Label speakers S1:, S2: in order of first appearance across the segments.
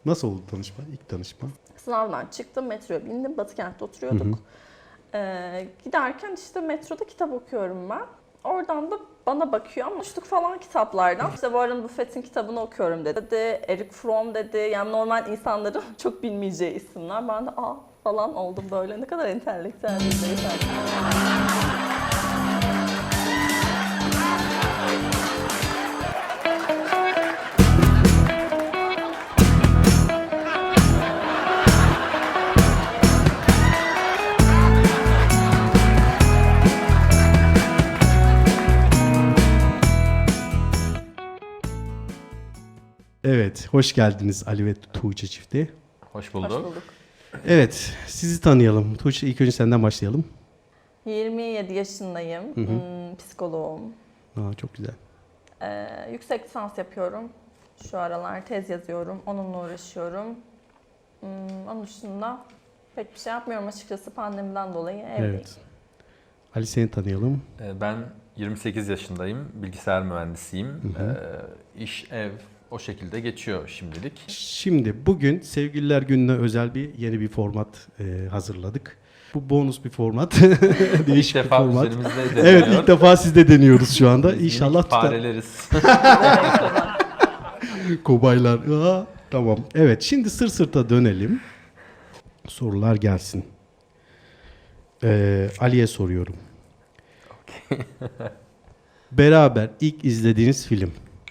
S1: Nasıl oldu tanışma? İlk tanışma?
S2: Sınavdan çıktım, metroya bindim. Batıkent'te oturuyorduk. Giderken işte metroda kitap okuyorum ben. Oradan da bana bakıyor ama uçtuk falan kitaplardan. İşte Warren Buffett'in kitabını okuyorum dedi. Eric Fromm dedi. Yani normal insanların çok bilmeyeceği isimler. Ben de falan oldum böyle. Ne kadar entelektüel bir beyefendi.
S1: Evet, hoş geldiniz Ali ve Tuğçe çifti.
S3: Hoş bulduk.
S2: Hoş bulduk.
S1: Evet, sizi tanıyalım. Tuğçe, ilk önce senden başlayalım.
S2: 27 yaşındayım. Psikoloğum.
S1: Çok güzel.
S2: Yüksek lisans yapıyorum. Şu aralar tez yazıyorum. Onunla uğraşıyorum. Onun dışında pek bir şey yapmıyorum açıkçası pandemiden dolayı evdeyim.
S1: Evet. Ali, seni tanıyalım.
S3: Ben 28 yaşındayım. Bilgisayar mühendisiyim. İş, ev o şekilde geçiyor şimdilik.
S1: Şimdi bugün Sevgililer Günü'ne özel yeni bir format hazırladık. Bu bonus bir format. Değişik
S3: İlk
S1: bir
S3: defa
S1: format.
S3: üzerimizde deniyor.
S1: Evet, ilk defa sizde deniyoruz şu anda.
S3: Biz
S1: İnşallah
S3: minik
S1: tutar.
S3: fareleriz.
S1: Kobaylar. Tamam. Evet, şimdi sırt sırta dönelim. Sorular gelsin. Ali'ye soruyorum. Beraber ilk izlediğiniz film.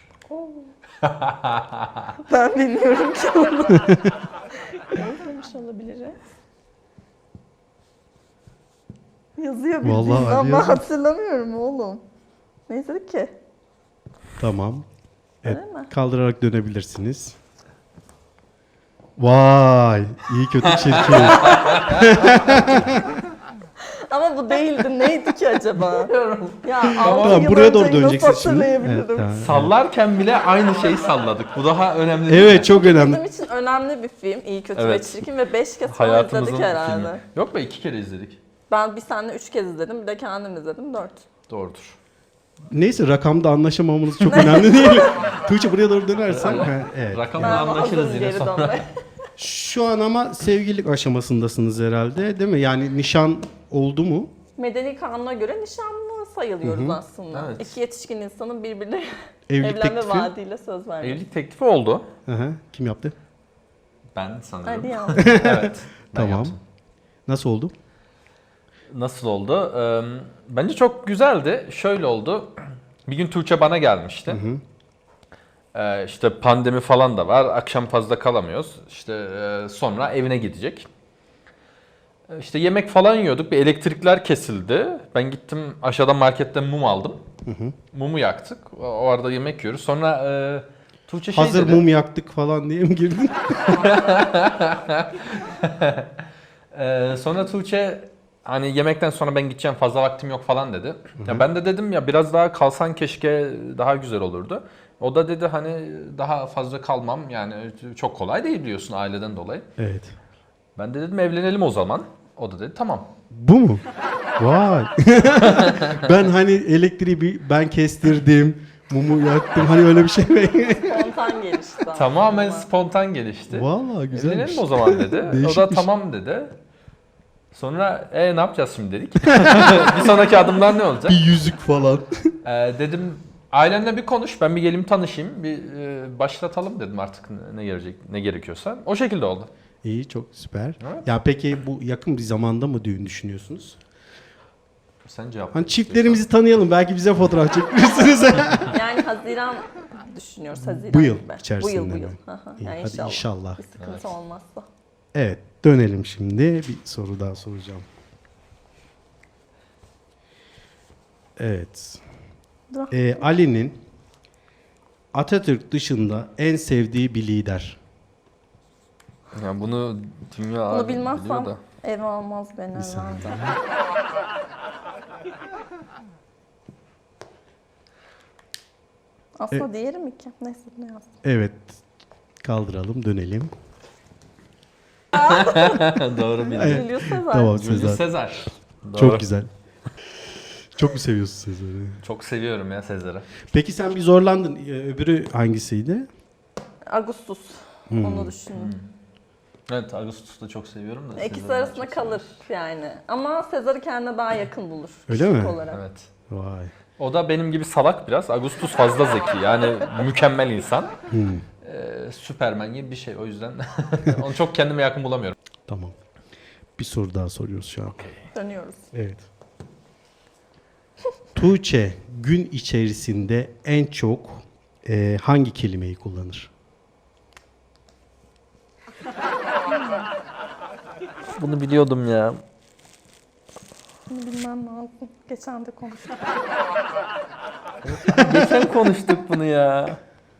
S2: Ben bilmiyorum ki onu. Yazmamış olabilir. Yazıyor bildiğin
S1: Vallahi Ali
S2: ama
S1: yazıyor.
S2: hatırlamıyorum oğlum. Ne izledik ki?
S1: Tamam. Evet,
S2: Öyle mi?
S1: kaldırarak dönebilirsiniz. Vay, iyi kötü çirkin.
S2: Ama bu değildi. Neydi ki acaba? Ya
S1: Tamam, buraya doğru döneceksin şimdi. Evet, tamam.
S3: Sallarken bile aynı şeyi salladık. Bu daha önemli değil
S1: Evet,
S3: mi?
S1: çok önemli.
S2: Bizim için önemli bir film. İyi, kötü
S3: Evet.
S2: ve çirkin ve 5 kez falan
S3: Hayatımızın
S2: izledik herhalde.
S3: filmi. Yok be 2 kere izledik.
S2: Ben bir seninle 3 kez izledim. Bir de kendim izledim 4.
S3: Doğrudur.
S1: Neyse, rakamda anlaşamamamız çok önemli değil. Tuğçe, buraya doğru dönersen. Evet.
S3: Rakamla anlaşırız yine
S2: geri
S3: sonra.
S2: dönmeye.
S1: Şu an ama sevgililik aşamasındasınız herhalde, değil mi? Yani nişan oldu mu?
S2: Medeni kanuna göre nişanlı sayılıyoruz aslında.
S3: Evet.
S2: İki yetişkin insanın birbirine
S1: Evlilik
S2: evlenme
S1: teklifi.
S2: vaadiyle söz vermesi.
S3: Evlilik teklifi oldu.
S1: Hı. Kim yaptı?
S3: Ben sanırım.
S2: Hadi ya.
S3: Evet. Ben
S1: Tamam.
S3: yaptım.
S1: Nasıl oldu?
S3: Nasıl oldu? Bence çok güzeldi. Şöyle oldu. Bir gün Tuğçe bana gelmişti. İşte pandemi falan da var. Akşam fazla kalamıyoruz. İşte sonra evine gidecek. İşte yemek falan yiyorduk. Bir elektrikler kesildi. Ben gittim aşağıda marketten mum aldım. Mumu yaktık. O arada yemek yiyoruz. Sonra Tuğçe şey
S1: Hazır
S3: dedi.
S1: mum yaktık falan diye mi girdin?
S3: Sonra Tuğçe hani yemekten sonra ben gideceğim fazla vaktim yok falan dedi. Ya ben de dedim ya biraz daha kalsan keşke daha güzel olurdu. O da dedi hani daha fazla kalmam yani çok kolay değil biliyorsun aileden dolayı.
S1: Evet.
S3: Ben de dedim evlenelim o zaman. O da dedi tamam.
S1: Bu mu? Vay. Ben hani elektriği ben kestirdim, mumu yaktım. Hani öyle bir şey mi?
S2: Spontan gelişti.
S3: Tamamen
S2: aslında.
S3: spontan gelişti.
S1: Vallahi güzelmiş.
S3: Evlenelim o zaman dedi. O da
S1: Değişikmiş.
S3: tamam dedi. Sonra ne yapacağız şimdi dedik. Bir sonraki adımlar ne olacak?
S1: Bir yüzük falan.
S3: Dedim ailenle bir konuş, ben bir geleyim tanışayım, bir başlatalım dedim artık ne gerekiyorsa. O şekilde oldu.
S1: İyi, çok süper.
S3: Evet.
S1: Ya peki bu yakın bir zamanda mı düğün düşünüyorsunuz?
S3: Sen cevap
S1: Hani
S3: ver
S1: çiftlerimizi tanıyalım, belki bize fotoğraf çekmişsiniz.
S2: Yani Haziran düşünüyoruz. Haziran
S1: Bu yıl
S2: gibi.
S1: içerisinde
S2: Bu
S1: mi?
S2: yıl. Aha,
S1: İyi,
S2: yani
S1: hadi inşallah.
S2: Bir sıkıntı olmazsa.
S1: Evet, dönelim şimdi. Bir soru daha soracağım. Evet. Ali'nin Atatürk dışında en sevdiği bir lider.
S3: istersen. Yani bunu dünya
S2: Bunu
S3: biliyor
S2: bilmezsem
S3: da.
S2: ev almaz beni herhalde. Aslında diğeri mi ki? Neyse ne yazdım.
S1: Evet, kaldıralım, dönelim.
S3: Doğru bildin.
S1: Evet.
S2: Julius Caesar.
S1: Tamam,
S3: Julius
S1: Sezar.
S3: Sezar. Doğru.
S1: Çok güzel. Çok mu seviyorsun Sezar'ı?
S3: Çok seviyorum ya Sezar'ı.
S1: Peki sen bir zorlandın. Öbürü hangisiydi?
S2: Augustus. Onu düşündüm.
S3: Evet, Ağustos'u da çok seviyorum da.
S2: İkisi
S3: Sezar'ı
S2: arasında
S3: çok
S2: kalır yani. Ama Sezar'ı kendine daha yakın bulur.
S1: Öyle
S2: kişilik
S1: mi?
S2: Olarak.
S3: seviyorum. Evet.
S1: Vay.
S3: O da benim gibi salak biraz. Ağustos fazla zeki. Yani mükemmel insan. Süpermen gibi bir şey. O yüzden onu çok kendime yakın bulamıyorum.
S1: Tamam. Bir soru daha soruyoruz şu an.
S2: Dönüyoruz.
S1: Evet. Tuğçe gün içerisinde en çok hangi kelimeyi kullanır?
S3: Bunu biliyordum ya.
S2: Bunu bilmem lazım. Geçen de konuştuk.
S3: Geçen konuştuk bunu ya.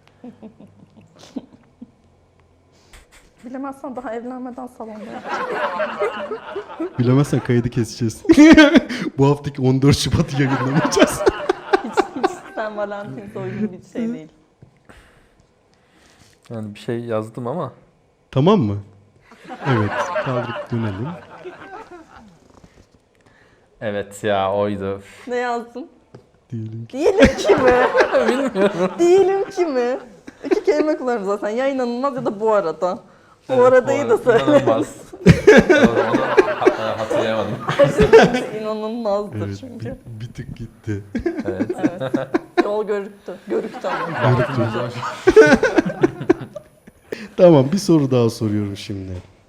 S2: Bilemezsen daha evlenmeden salonda yap.
S1: Bilemezsen kaydı keseceğiz. Bu haftaki 14 Şubat'ı yayınlamayacağız.
S2: Hiç sen Valentine'e uygun bir şey değil.
S3: Yani bir şey yazdım ama.
S1: Tamam mı? Evet. Kaldırıp dönelim.
S3: Evet ya, oydu.
S2: Ne yazdın?
S1: Diyelim ki.
S2: Diyelim ki mi? Bilmiyorum. Diyelim ki mi? İki kelime kullanırım zaten. Ya inanılmaz ya da bu arada. Bu aradayı da söyle.
S3: İnanılmaz. Onu hatırlayamadım.
S2: İnanılmazdır
S1: Evet.
S2: çünkü.
S1: Bir tık gitti.
S3: Evet.
S2: Evet. Yol görüktü. Görüktü ama.
S1: Tamam, bir soru daha soruyorum şimdi.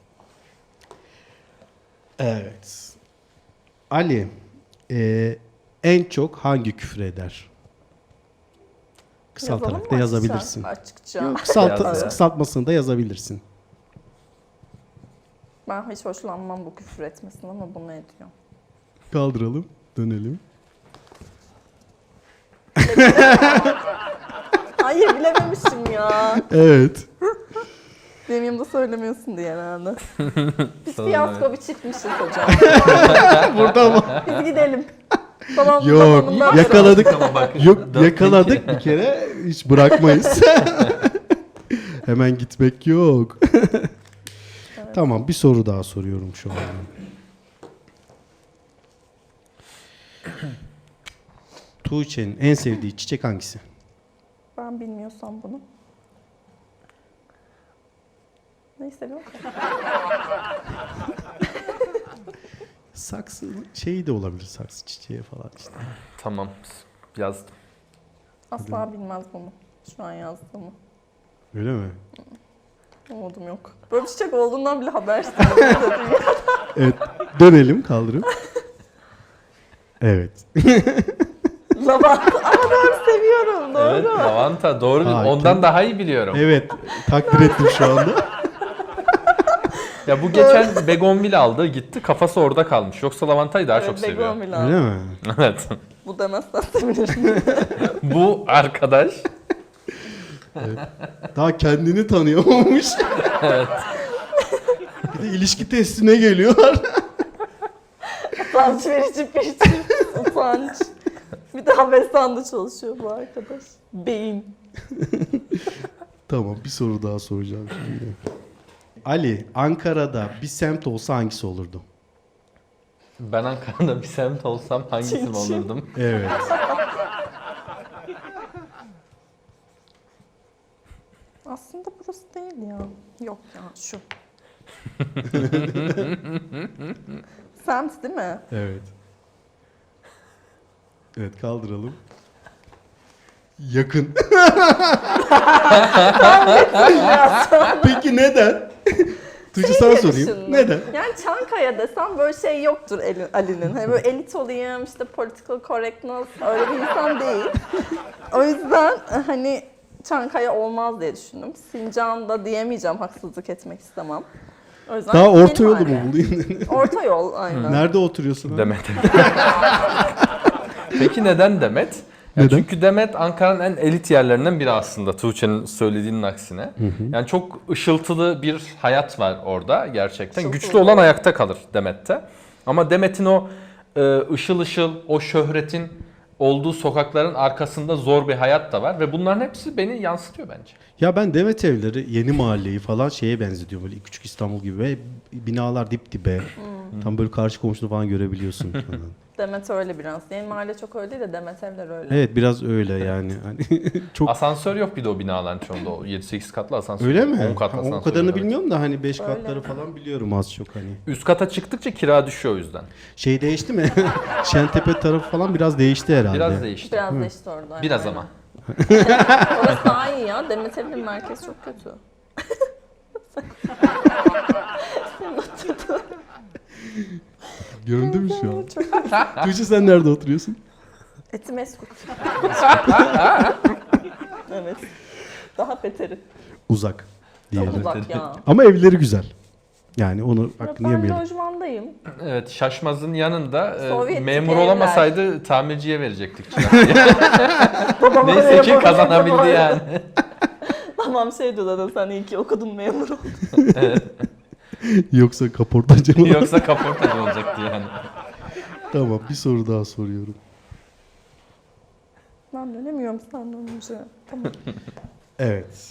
S1: Evet. Ali en çok hangi küfür eder? Kısaltarak
S2: Yazalım
S1: da
S2: mı
S1: yazabilirsin.
S2: Açıkça.
S1: Yok,
S3: Yaz.
S1: kısaltmasını da yazabilirsin.
S2: Ben hiç hoşlanmam bu küfür etmesinden ama bunu ediyor.
S1: Kaldıralım, dönelim.
S2: Hayır bilememişim ya.
S1: Evet.
S2: Benim yanımda söylemiyorsun diye herhalde. Biz
S3: Sorun
S2: fiyasko bir çiftmişiz hocam.
S1: Burada mı?
S2: Biz gidelim. Tamam,
S1: Yok,
S2: tamamından sonra.
S1: yakaladık.
S3: Ama bak,
S1: Yok, yakaladık bir kere. Hiç bırakmayız. Hemen gitmek yok. Tamam, bir soru daha soruyorum şu an. Tuğçe'nin en sevdiği çiçek hangisi?
S2: Ben bilmiyorsam bunu. Neyi seviyorum?
S1: Saksı şeyi de olabilir, saksı çiçeği falan işte.
S3: Tamam, yazdım.
S2: Asla bilmez bunu. Şu an yazdığımı.
S1: Öyle mi?
S2: Umudum yok. Böyle bir çiçek olduğundan bile habersiz.
S1: Evet, dönelim, kaldırıp. Evet.
S2: Lavanta. Ama doğru seviyorum. Doğru.
S3: Evet, lavanta doğru.
S1: Aa,
S3: Ondan daha iyi biliyorum.
S1: Evet, takdir ettim şu anda.
S3: Ya bu geçen begonvil aldı, gitti, kafası orada kalmış. Yoksa lavantayı daha çok seviyor.
S2: Begonvil abi.
S1: Öyle mi?
S3: Evet.
S2: Bu demezsen sevinirim.
S3: Bu arkadaş
S1: Daha kendini tanıyamamış.
S3: evet.
S1: Bir de ilişki testine geliyorlar.
S2: Utanç verici bir çift. Utanç. Bir de Habesan'da çalışıyor bu arkadaş. Beyin.
S1: Tamam, bir soru daha soracağım şimdi. Ali, Ankara'da bir semt olsa hangisi olurdu?
S3: Ben Ankara'da bir semt olsam hangisini
S2: Çin çin.
S3: olurdum?
S1: Evet.
S2: Aslında burası değil ya. Yok ya şu. Semt değil mi?
S1: Evet. Evet, kaldıralım. Yakın. Peki neden? Tuğçe sana sorayım.
S2: Düşündüm.
S1: Neden?
S2: Yani Çankaya desem böyle şey yoktur Ali'nin. Hani böyle elit olayım, işte political correctness öyle bir insan değil. O yüzden hani Çankaya olmaz diye düşündüm. Sincan da diyemeyeceğim, haksızlık etmek istemem. O yüzden
S1: Daha orta yolu
S2: Mimari.
S1: mu bulayım?
S2: Orta yol aynen.
S1: Nerede oturuyorsun? abi?
S3: Demet. Peki neden Demet? Ya
S1: Neden?
S3: çünkü Demet Ankara'nın en elit yerlerinden biri aslında, Tuğçe'nin söylediğinin aksine. Yani çok ışıltılı bir hayat var orada gerçekten.
S2: Işıltılı.
S3: Güçlü olan ayakta kalır Demet'te. Ama Demet'in o ışıl ışıl, o şöhretin olduğu sokakların arkasında zor bir hayat da var. Ve bunların hepsi beni yansıtıyor bence.
S1: Ya ben Demet Evleri, Yeni Mahalleyi falan şeye benzetiyorum. Böyle küçük İstanbul gibi ve binalar dip dibe. Tam böyle karşı komşunu falan görebiliyorsun.
S2: Demet öyle biraz. Yeni mahalle çok öyle değil de Demet evler öyle.
S1: Evet biraz öyle yani. Hani çok
S3: Asansör yok bir de o binaların çoğunda. O 7-8 katlı asansör.
S1: öyle
S3: yok.
S1: mi?
S3: 10 kat
S1: Ha,
S3: asansör.
S1: o kadarını
S3: evet.
S1: bilmiyorum da hani 5
S2: Öyle.
S1: katları falan biliyorum az çok hani.
S3: Üst kata çıktıkça kira düşüyor o yüzden.
S1: Şey değişti mi? Şentepe tarafı falan biraz değişti herhalde.
S3: Biraz değişti.
S2: Biraz değişti orada.
S3: Biraz
S2: aynen.
S3: ama.
S2: Orası daha iyi ya. Demet evlerin merkezi çok kötü.
S1: Göründü mü şu an?
S2: Çok
S1: Tuğçe sen nerede oturuyorsun?
S2: Etimeskut. Evet. Daha beteri.
S1: Uzak
S2: Çok
S1: diyelim.
S2: uzak ya.
S1: Ama evleri güzel. Yani onu hakkını
S2: Ben
S1: yemeyelim.
S2: lojmandayım.
S3: Evet, Şaşmaz'ın yanında
S2: Sovyetlik
S3: memur
S2: evler.
S3: olamasaydı tamirciye verecektik.
S2: Babama
S3: Neyse ki
S2: memur
S3: kazanabildi
S2: oldum.
S3: yani.
S2: Babam şey diyor zaten sen iyi ki okudun memur oldun.
S1: Yoksa kaportacı mı?
S3: Yoksa kaportacı olacaktı yani.
S1: Tamam bir soru daha soruyorum.
S2: Ben dönemiyorum senden önce. Tamam.
S1: Evet.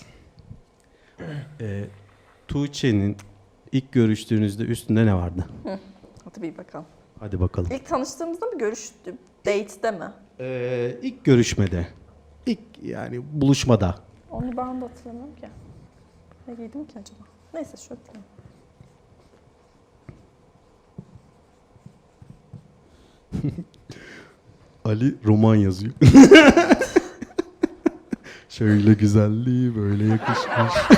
S1: Tuğçe'nin ilk görüştüğünüzde üstünde ne vardı?
S2: Hadi bir bakalım.
S1: Hadi bakalım.
S2: İlk tanıştığımızda mı görüştük? Date'de mi?
S1: İlk görüşmede. İlk yani buluşmada.
S2: Onu ben de hatırlamıyorum ki. Ne giydim ki acaba? Neyse şöyle diyeyim.
S1: Ali roman yazıyor. Şöyle güzelliği böyle yakışmış.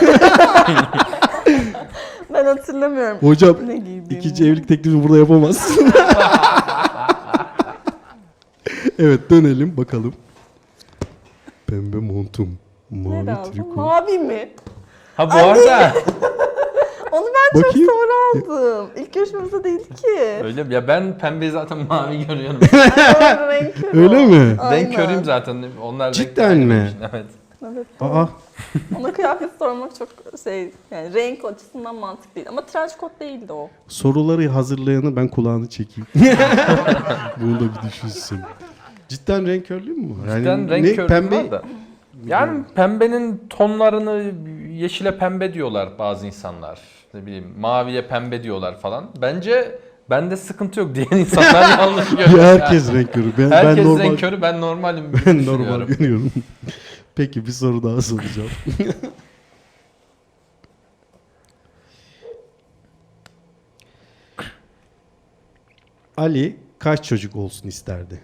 S2: Ben hatırlamıyorum.
S1: Hocam
S2: Ne giydiğimi.
S1: ikinci evlilik teklifini burada yapamazsın. Evet dönelim bakalım. Pembe montum.
S2: Ne
S1: Mavi
S2: lazım?
S1: triko.
S2: Mavi mi?
S3: Ha bu arada
S2: Onu ben çok
S1: Bakayım.
S2: sonra aldım. İlk görüşmemizde değildi ki.
S3: öyle mi? Ya ben pembeyi zaten mavi görüyorum.
S2: Doğru, renk körü
S1: Öyle
S2: o.
S1: mi?
S2: Aynen.
S3: Renk körüyüm zaten. Onlar
S1: Cidden
S3: renkli
S1: mi?
S3: benim için, Evet.
S2: Evet.
S1: Aa
S2: Ona kıyafet sormak çok yani renk açısından mantıklı değil. Ama trench coat değildi o.
S1: soruları hazırlayanı ben kulağını çekeyim. Bunu da bir düşünsün. Cidden renk körlüğü mü var? Yani
S3: Cidden renk
S1: ne,
S3: körlüğüm
S1: pembe
S3: var da. Yani pembenin tonlarını yeşile pembe diyorlar bazı insanlar. Ne bileyim maviye pembe diyorlar falan. Bence bende sıkıntı yok diyen insanlar yanlış görüyor.
S1: ya herkes renk körü. Ben
S3: Herkes
S1: normal,
S3: renk körü, ben normalim.
S1: ben normal görüyorum. Peki bir soru daha soracağım. Ali kaç çocuk olsun isterdi?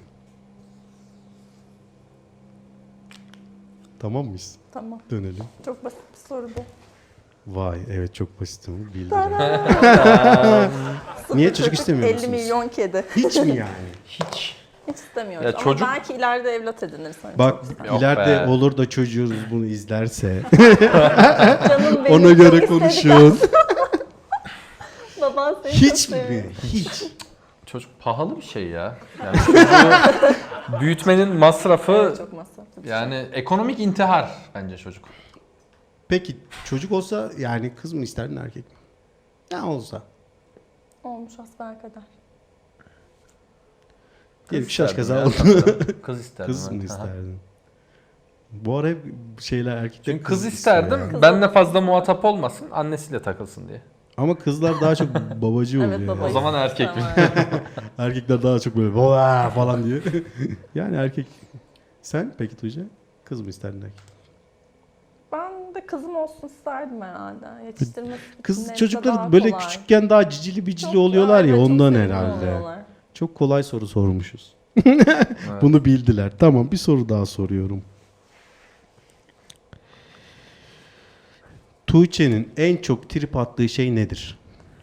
S1: Tamam mıyız?
S2: Tamam.
S1: Dönelim.
S2: Çok basit bir soru bu.
S1: Vay evet çok basit ama bildim.
S2: Sıfır
S1: Niye çocuk istemiyor
S2: 50
S1: musunuz?
S2: milyon kedi.
S1: Hiç mi yani?
S3: Hiç.
S2: Hiç istemiyoruz.
S3: Ya
S2: Ama
S3: çocuk-
S2: belki ileride evlat edinirsen.
S1: Bak
S2: çok isterim.
S3: Yok
S1: ileride
S3: be.
S1: olur da çocuğunuz bunu izlerse
S2: Canım benim
S1: ona
S2: çok
S1: göre
S2: istedik
S1: konuşun.
S2: Baban seni çok
S1: Hiç
S2: seviyor.
S1: mi? Hiç.
S3: Çocuk pahalı bir şey ya. Yani çocuğu büyütmenin masrafı
S2: Evet, çok masraflı bir şey.
S3: yani ekonomik intihar bence çocuk.
S1: Peki çocuk olsa yani kız mı isterdin erkek mi? Ne olsa.
S2: Olmuş hasbelkader.
S1: Diyelim ki şaş
S3: isterdim
S1: kaza
S3: ya,
S1: oldu.
S3: sanırım. Kız isterdim.
S1: Kız mı
S3: evet. Aha.
S1: isterdin? Bu ara hep şeyler erkekler
S3: Çünkü kız
S1: istiyor
S3: isterdim.
S1: ya.
S3: Benle fazla muhatap olmasın. Annesiyle takılsın diye.
S1: Ama kızlar daha çok babacı oluyor.
S2: Evet
S1: ya.
S3: O
S2: babayı.
S3: zaman erkek mi?
S1: Erkekler daha çok böyle "Vaa!" falan diye. Yani erkek. Sen peki Tuğçe? Kız mı isterdin erkek?
S2: Ben de kızım olsun isterdim herhalde. Yetiştirmesi
S1: Kız
S2: netle
S1: çocuklar
S2: daha
S1: böyle
S2: kolay.
S1: küçükken daha cicili bicili
S2: Çok-
S1: oluyorlar ya
S2: evet, çok
S1: ondan
S2: sevimli
S1: herhalde.
S2: oluyorlar.
S1: Çok kolay soru sormuşuz.
S3: Evet.
S1: Bunu bildiler. Tamam bir soru daha soruyorum. Tuğçe'nin en çok trip attığı şey nedir?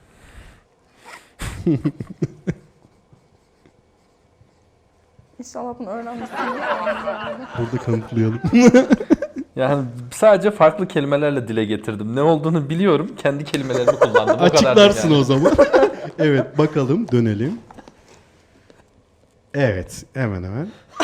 S2: İnşallah bunu öğrenmişsin.
S1: Burada kanıtlayalım.
S3: Yani sadece farklı kelimelerle dile getirdim. Ne olduğunu biliyorum. Kendi kelimelerimi kullandım. O kadar
S1: Açıklarsın
S3: yani.
S1: o zaman. Evet bakalım dönelim. Evet hemen hemen.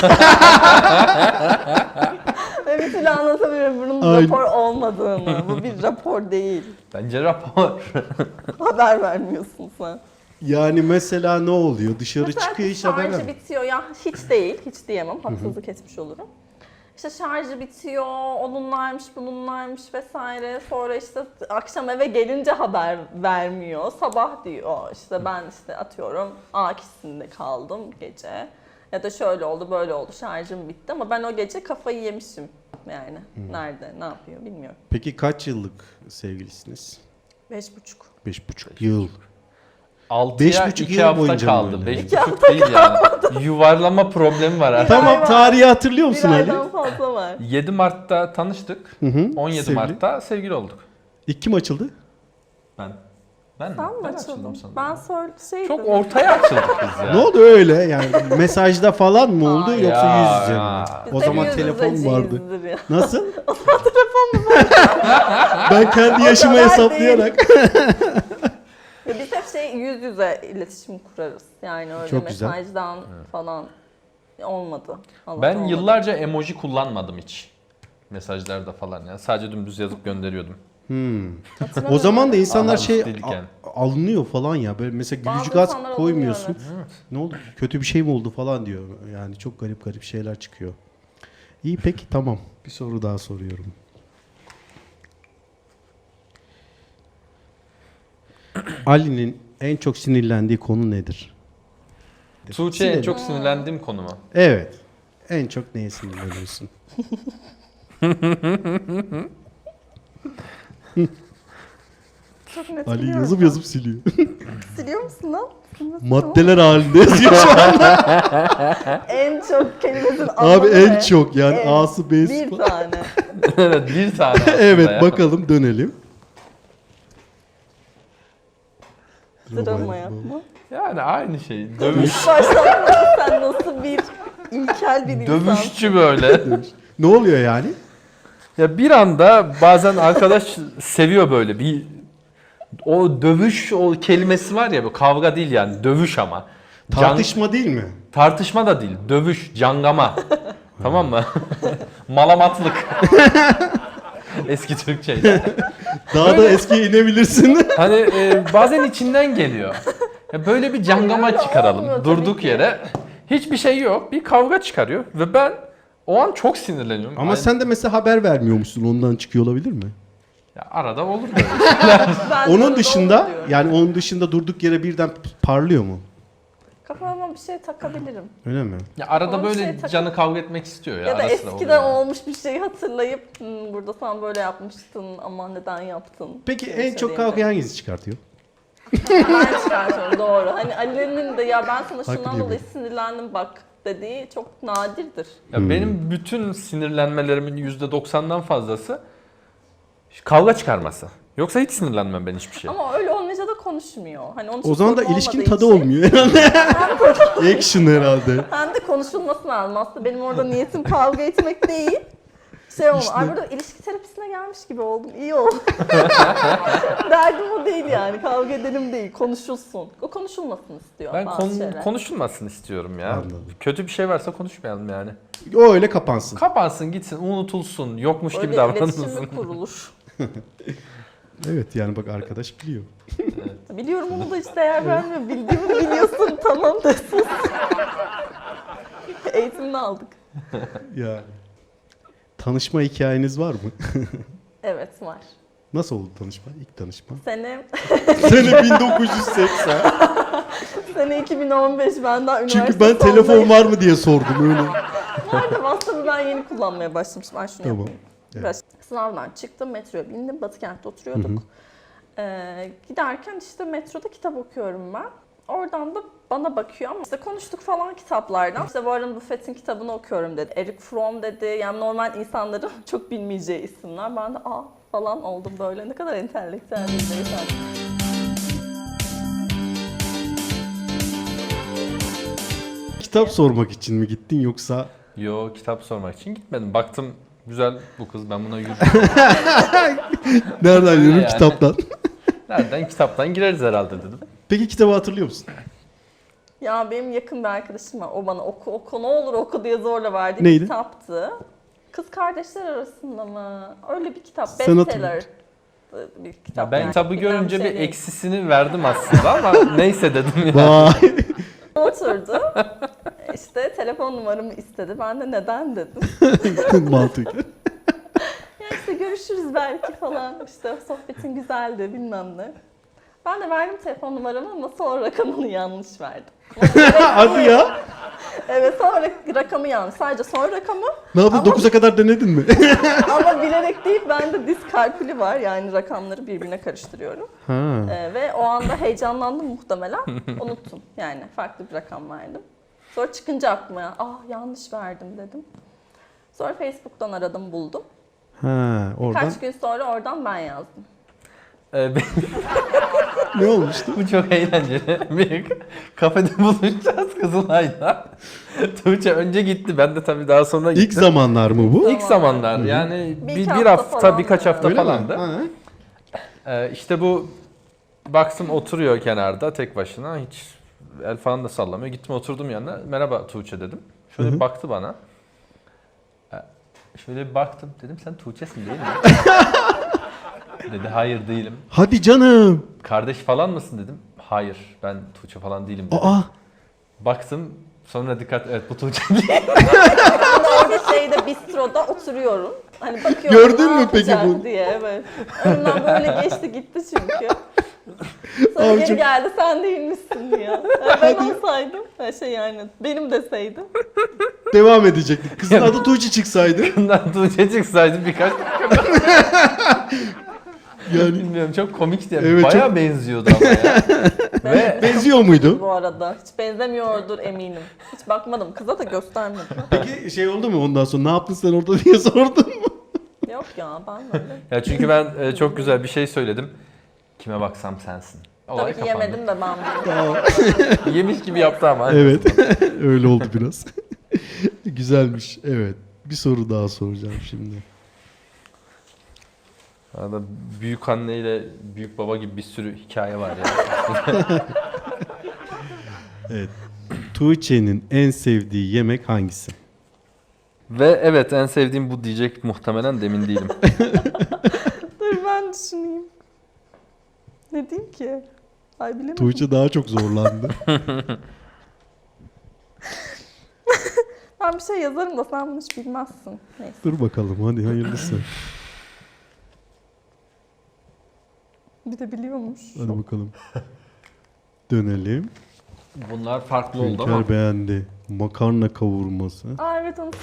S2: Ve bir türlü anlatamıyorum bunun
S1: Aynen.
S2: rapor olmadığını. Bu bir rapor değil.
S3: Bence rapor.
S2: Haber vermiyorsun sen.
S1: Yani mesela ne oluyor? Dışarı
S2: Mesela
S1: çıkıyor hiç haber
S2: şarjı
S1: vermiyor.
S2: bitiyor ya hiç değil. Hiç diyemem. Haksızlık etmiş olurum. İşte şarjı bitiyor, onunlaymış, bununlaymış vesaire. Sonra işte akşam eve gelince haber vermiyor. Sabah diyor işte ben işte atıyorum A kişisinde kaldım gece. Ya da şöyle oldu, böyle oldu, şarjım bitti ama ben o gece kafayı yemişim yani. Nerede, ne yapıyor bilmiyorum.
S1: Peki kaç yıllık sevgilisiniz?
S2: 5,5.
S1: 5,5 yıl.
S3: 6'ya
S1: 5,5
S3: 2
S1: yıl
S3: hafta
S1: boyunca mı
S3: kaldı.
S1: böyle?
S3: 5,5 değil yani. Yuvarlama problemi var artık.
S1: Tamam,
S2: var.
S1: tarihi hatırlıyor
S2: Bir
S1: musun Ali?
S2: aydan fazla var.
S3: 7 Mart'ta tanıştık.
S1: Hı hı.
S3: 17
S1: Sevgili.
S3: Mart'ta sevgili olduk.
S1: İlk kim açıldı?
S3: Ben mi?
S2: Sen mi
S3: Ben
S2: açıldın?
S3: sanırım.
S2: Ben şeydim.
S3: Çok ortaya açıldık biz ya.
S1: Ne oldu öyle? Yani mesajda falan mı oldu
S2: Hayır.
S1: yoksa
S3: Ya,
S1: yüz yüze mi?
S3: ya.
S2: Biz
S1: O
S2: de
S1: zaman
S2: yüz
S1: telefon
S2: yüzeciyizdir
S1: vardı.
S2: ya.
S1: Nasıl?
S2: O zaman telefon mu var?
S1: Ben kendi yaşımı
S2: kadar
S1: hesaplayarak.
S2: Ya biz hep yüz yüze iletişim kurarız. Yani öyle
S1: Çok güzel.
S2: mesajdan falan olmadı. Allah
S3: Ben
S2: olmadı.
S3: yıllarca emoji kullanmadım hiç. Mesajlarda falan ya. Sadece dümdüz yazıp gönderiyordum.
S1: O zaman da insanlar
S3: Aha,
S1: şey
S3: üstelik yani.
S1: alınıyor falan ya. Böyle mesela
S2: Bazı
S1: gülücük az
S2: insanlar
S1: koymuyorsun.
S2: alınıyor, evet.
S1: Ne oldu? Kötü bir şey mi oldu falan diyor. Yani çok garip garip şeyler çıkıyor. İyi, peki, tamam. Bir soru daha soruyorum. Ali'nin en çok sinirlendiği konu nedir?
S3: Tuğçe en
S1: Silelim.
S3: çok sinirlendiğim konu mu?
S1: Evet. En çok neye sinirleniyorsun?
S2: Çok net
S1: Ali
S2: biliyorum.
S1: yazıp yazıp siliyor.
S2: Siliyor musun lan?
S1: Maddeler halinde yazıyor şu an.
S2: En çok kelimesinin
S1: Abi
S2: anlamı
S1: en
S2: ne?
S1: çok yani
S2: En.
S1: A'sı B'si
S2: Bir
S1: falan.
S2: tane.
S3: Evet, bir tane aslında
S1: Evet,
S3: ya.
S1: bakalım, dönelim.
S2: Drama yapma.
S3: Yani aynı şey. Dövüş.
S2: Hiç başlamadı. Sen nasıl bir ilkel bir insansın.
S3: Dövüşçü böyle.
S1: Ne oluyor yani?
S3: Ya bir anda bazen arkadaş seviyor böyle bir o dövüş o kelimesi var ya, bu kavga değil yani, dövüş ama.
S1: Tartışma değil mi?
S3: Tartışma da değil, dövüş, cangama. Tamam mı? Malamatlık. Eski Türkçe'yle.
S1: Daha da eskiye inebilirsin.
S3: Hani bazen içinden geliyor. Ya böyle bir cangama
S2: Öyle
S3: çıkaralım
S2: olmuyor tabii
S3: durduk
S2: ki.
S3: yere. Hiçbir şey yok, bir kavga çıkarıyor ve ben o an çok sinirleniyorum.
S1: Ama
S3: Ay-
S1: sen de mesela haber vermiyormuşsun, ondan çıkıyor olabilir mi?
S3: Ya arada olur böyle.
S2: Ben
S1: Onun
S2: de
S1: dışında
S2: onu diyorum.
S1: yani onun dışında durduk yere birden parlıyor mu?
S2: Kafama bir şey takabilirim.
S1: Öyle mi?
S3: Ya arada
S2: Ama bir
S3: böyle
S2: şey takıl-
S3: canı kavga etmek istiyor ya.
S2: Ya da
S3: ara sıra
S2: eskiden
S3: oluyor.
S2: olmuş bir şeyi hatırlayıp burada sen böyle yapmıştın ama neden yaptın?
S1: Peki
S2: diye
S1: en çok
S2: söyleyince.
S1: kavga hangisi çıkartıyor?
S2: Ben çıkartıyorum, doğru. Hani Ali'nin de ya ben sana şundan
S1: Haklı
S2: dolayı
S1: gibi.
S2: sinirlendim bak dediği çok nadirdir.
S3: Ya benim bütün sinirlenmelerimin %90'dan fazlası kavga çıkarması. Yoksa hiç sinirlenmem ben hiçbir şey.
S2: Ama öyle olmayınca da konuşmuyor. Hani onun için
S1: O zaman da
S2: sorun
S1: ilişkin
S2: olmadığı
S1: tadı
S2: için
S1: olmuyor herhalde. Action herhalde.
S2: hem de konuşulması lazım. Aslında benim orada niyetim kavga etmek değil. Şey olma.
S1: İşte.
S2: Ay burada ilişki terapisine gelmiş gibi oldum. İyi oldu. Derdim o değil yani. Kavga edelim değil. Konuşulsun. O konuşulmasın istiyor
S3: Ben
S2: bazı şeyler.
S3: konuşulmasın istiyorum ya.
S1: Anladım.
S3: Kötü bir şey varsa konuşmayalım yani.
S1: O öyle kapansın.
S3: Kapansın gitsin, unutulsun, yokmuş gibi
S2: Öyle
S3: davranılsın.
S2: iletişim mi kurulur?
S1: Evet, yani bak arkadaş biliyor.
S2: Biliyorum onu da hiç değer vermiyor. Bildiğimi biliyorsun tamam da sus. Eğitimini aldık.
S1: Ya. Tanışma hikayeniz var mı?
S2: Evet var.
S1: Nasıl oldu tanışma? İlk tanışma.
S2: Sene
S1: Sene 1980.
S2: Sene 2015 ben daha üniversite
S1: Çünkü ben telefon
S2: sondayım.
S1: var mı diye sordum öyle.
S2: Bu arada WhatsApp'ı ben yeni kullanmaya başlamıştım. Ben şunu
S1: Tamam.
S2: yapayım.
S1: Evet.
S2: Biraz sınavdan çıktım, metroya bindim. Batıkent'te oturuyorduk. Giderken işte metroda kitap okuyorum ben. Oradan da bana bakıyor ama işte konuştuk falan kitaplardan. İşte Warren Buffett'in kitabını okuyorum dedi. Eric Fromm dedi. Yani normal insanların çok bilmeyeceği isimler. Ben de falan oldum böyle. Ne kadar entelektüel bir beyefendi.
S1: Kitap sormak için mi gittin yoksa?
S3: Yo, kitap sormak için gitmedim. Baktım güzel bu kız, ben buna yürüyorum.
S1: Nereden yürüyorum?
S3: yani.
S1: Kitaptan.
S3: Nereden? Kitaptan gireriz herhalde dedim.
S1: Peki kitabı hatırlıyor musun?
S2: Ya benim yakın bir arkadaşım var. O bana oku ne olur oku diye zorla verdiği
S1: Neydi?
S2: bir kitaptı. Kız kardeşler arasında mı? Öyle bir kitap.
S1: Sen
S2: Bestseller bir kitap.
S3: Ya ben
S2: yani.
S3: kitabı
S2: Bilinen
S3: görünce
S2: şey
S3: bir
S2: değil.
S3: eksisini verdim aslında ama neyse dedim ya.
S1: Vay.
S2: Oturdu. İşte İşte telefon numaramı istedi. Ben de neden dedim.
S1: Mantıklı.
S2: Ya işte görüşürüz belki falan. İşte sohbetin güzeldi bilmem ne. Ben de verdim telefon numaramı ama sonra rakamını yanlış verdim.
S1: Hadi ya.
S2: Evet sonra rakamı yanlış. Sadece son rakamı
S1: Ne yaptın?
S2: Ama-
S1: 9'a kadar denedin mi?
S2: ama bilerek değil bende diskalkülü var. Yani rakamları birbirine karıştırıyorum.
S1: Ha.
S2: Ve o anda heyecanlandım muhtemelen. Unuttum. Yani farklı bir rakam verdim. Sonra çıkınca aklıma yanlış verdim dedim. Sonra Facebook'tan aradım buldum.
S1: Ha, oradan
S2: Kaç gün sonra oradan ben yazdım.
S1: ne olmuştu?
S3: Bu çok eğlenceli. Bir kafede buluşacağız Kızılay'da. Tuğçe önce gitti. Ben de tabii daha sonra gittim.
S1: İlk zamanlar mı bu?
S3: İlk zamanlar yani
S2: Bir
S3: bir,
S2: iki
S3: bir
S2: hafta
S3: hafta,
S2: falan
S3: birkaç
S2: yani.
S3: hafta
S1: Öyle mi?
S3: falandı.
S1: Ha.
S3: İşte bu baktım oturuyor kenarda tek başına hiç el falan da sallamıyor. Gittim oturdum yanına. Merhaba Tuğçe dedim. Şöyle bir baktı bana. Şöyle bir baktım dedim sen Tuğçe'sin değil mi? Dedi hayır değilim.
S1: Hadi canım.
S3: Kardeş falan mısın dedim. Hayır ben Tuğçe falan değilim dedim.
S1: Aa.
S3: Baktım sonra dikkat evet bu Tuğçe değil.
S2: Ben de orada bistroda oturuyorum. Hani bakıyorum
S1: Gördün
S2: ne
S1: mü peki
S2: yapacak
S1: bunu?
S2: diye evet. Önümden böyle geçti gitti çünkü. Sonra
S1: Abi
S2: geri
S1: çok-
S2: geldi sen değil misin diye. Yani ben olsaydım yani benim deseydim.
S1: Devam edecektik. Kızın adı Tuğçe çıksaydı.
S3: Bundan Tuğçe çıksaydı birkaç
S1: Yani
S3: bilmiyorum çok komikti. Yani.
S1: Evet,
S3: Bayağı
S1: çok-
S3: benziyordu ama ya. Ve
S1: benziyor muydu?
S2: Bu arada hiç benzemiyordur eminim. Hiç bakmadım kıza da göstermedim.
S1: Peki şey oldu mu ondan sonra ne yaptın sen orada diye sordun mu?
S2: Yok ya ben öyle.
S3: ya çünkü ben çok güzel bir şey söyledim. Kime baksam sensin. Olay
S2: Tabii ki
S3: kapandı.
S2: yemedim de ben bunu.
S1: Tamam.
S3: Yemiş gibi yaptı ama.
S1: Evet. Öyle oldu biraz. Güzelmiş. Evet. Bir soru daha soracağım şimdi.
S3: Arada büyük anne ile büyük baba gibi bir sürü hikaye var ya.
S1: Evet. Tuğçe'nin en sevdiği yemek hangisi?
S3: Ve evet en sevdiğim bu diyecek muhtemelen de emin değilim.
S2: Dur ben düşüneyim. Ne diyeyim ki? Ay bilemedim.
S1: Tuğçe daha çok zorlandı.
S2: Ben bir şey yazarım da sen bunu hiç bilmezsin. Neyse.
S1: Dur bakalım hadi hayırlısı.
S2: Bir de biliyormuş.
S1: Hadi bakalım. Dönelim.
S3: Bunlar farklı oldu ama.
S1: Hünkar beğendi. Makarna kavurması.
S2: Aa evet onu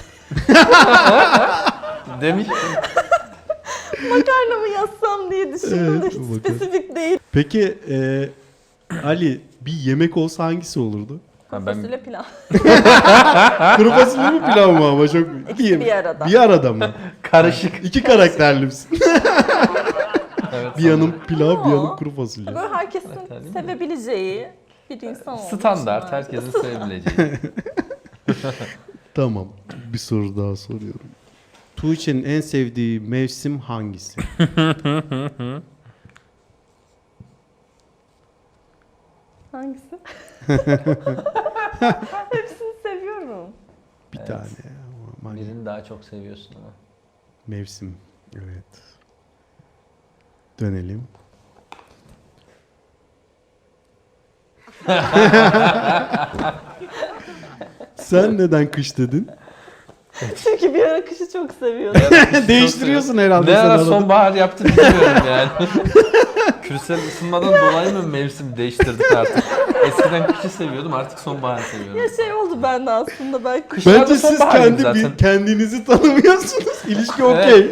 S3: Demiş.
S2: makarna mı yazsam diye düşündüm de
S1: Evet,
S2: hiç
S1: makarna.
S2: spesifik değil.
S1: Peki Ali bir yemek olsa hangisi olurdu?
S3: Ha, ben
S2: Fasulye pilav.
S1: Kuru fasulye mi pilav mı ama çok...
S2: İkisi bir arada.
S1: Bir arada mı?
S3: karışık.
S1: İki karakterli misin?
S3: Evet,
S1: Bir yanım pilav, bir
S2: Aa.
S1: yanım kuru fasulye.
S2: Böyle herkesin
S3: Evet,
S2: sevebileceği bir insan olmuş.
S3: standart
S2: bence.
S3: herkesin sevebileceği.
S1: Tamam. Bir soru daha soruyorum. Tuğçe'nin en sevdiği mevsim hangisi?
S2: Hangisi? Hepsini seviyorum.
S1: Bir tane. Aman,
S3: Birini daha çok seviyorsun ama.
S1: mevsim. Evet. Dönelim. Sen neden kış dedin?
S2: Çünkü bir ara kışı çok seviyordum.
S1: Değiştiriyorsun herhalde
S3: Ne
S1: sen
S3: ara
S1: arada.
S3: sonbahar yaptın bilmiyorum yani. Küresel ısınmadan dolayı mı mevsim değiştirdin artık? Eskiden kışı seviyordum artık sonbaharı seviyorum.
S2: Ya şey oldu bende aslında belki.
S3: Kışlarda
S1: Bence siz
S3: sonbahar gibi zaten.
S1: kendinizi tanımıyorsunuz. İlişki okey.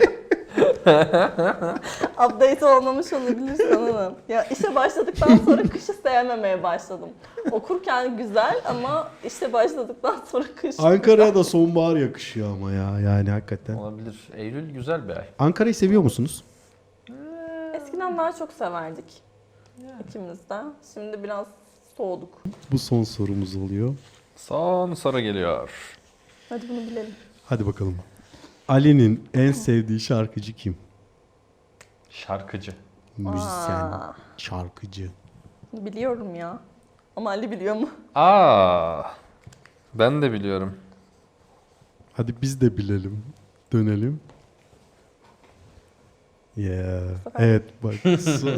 S2: Update olmamış olabilir sanırım. Ya işe başladıktan sonra kışı sevmemeye başladım. Okurken güzel ama işe başladıktan sonra kış.
S1: Ankara'ya da sonbahar yakışıyor ama ya yani hakikaten.
S3: Olabilir. Eylül güzel bir ay.
S1: Ankara'yı seviyor musunuz?
S2: Eskiden daha çok severdik. İkimiz de. Şimdi biraz soğuduk.
S1: Bu son sorumuz oluyor.
S3: Son soru geliyor.
S2: Hadi bunu bilelim.
S1: Hadi bakalım. Ali'nin en sevdiği şarkıcı kim?
S3: Şarkıcı.
S1: Müzisyen,
S2: Aa,
S1: şarkıcı.
S2: biliyorum ya. Ama Ali biliyor mu?
S3: Ben de biliyorum.
S1: Hadi biz de bilelim. Dönelim. Yeah. Evet bak.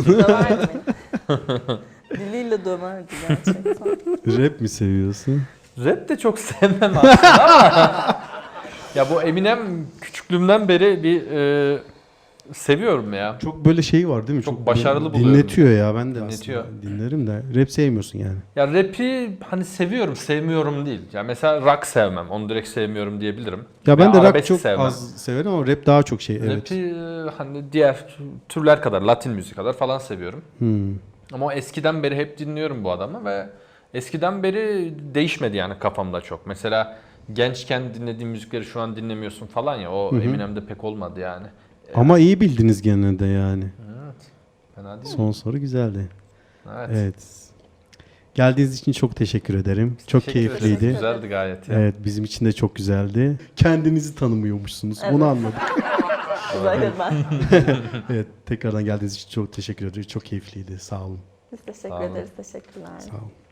S2: Döverdi beni. Diliyle döverdi gerçekten.
S1: Rap mi seviyorsun?
S3: Rap de çok sevmem aslında ama ya bu Eminem küçüklüğümden beri bir seviyorum ya.
S1: Çok böyle şey var değil mi?
S3: Çok başarılı
S1: böyle
S3: buluyorum.
S1: dinletiyor ya, ben de
S3: Dinletiyor.
S1: aslında dinlerim de. Rap sevmiyorsun yani.
S3: Ya rap'i hani seviyorum, sevmiyorum değil. Ya mesela rock sevmem, onu direkt sevmiyorum diyebilirim.
S1: Ya ben
S3: Veya
S1: de rock
S3: arabesk
S1: çok
S3: sevmem.
S1: az severim ama rap daha çok şey. Evet.
S3: Rap'i hani diğer türler kadar, Latin müzik kadar falan seviyorum.
S1: Hmm.
S3: Ama o eskiden beri hep dinliyorum bu adamı ve eskiden beri değişmedi yani kafamda çok. Mesela gençken dinlediğim müzikleri şu an dinlemiyorsun falan ya, o Eminem'de pek olmadı yani.
S1: Ama iyi bildiniz gene de yani.
S3: Evet. Fena değil mi?
S1: Son soru güzeldi.
S3: Evet.
S1: Evet. Geldiğiniz için çok teşekkür ederim. Çok
S3: Teşekkür ederiz.
S1: keyifliydi.
S3: Güzeldi gayet ya.
S1: Evet, bizim için de çok güzeldi. Kendinizi tanımıyormuşsunuz.
S2: Evet.
S1: Bunu anladık.
S2: Özellikle ben.
S1: Evet, tekrardan geldiğiniz için çok teşekkür ederim. Çok keyifliydi. Sağ olun.
S2: Biz teşekkür
S3: Sağ olun.
S2: ederiz. Teşekkürler.
S1: Sağ olun.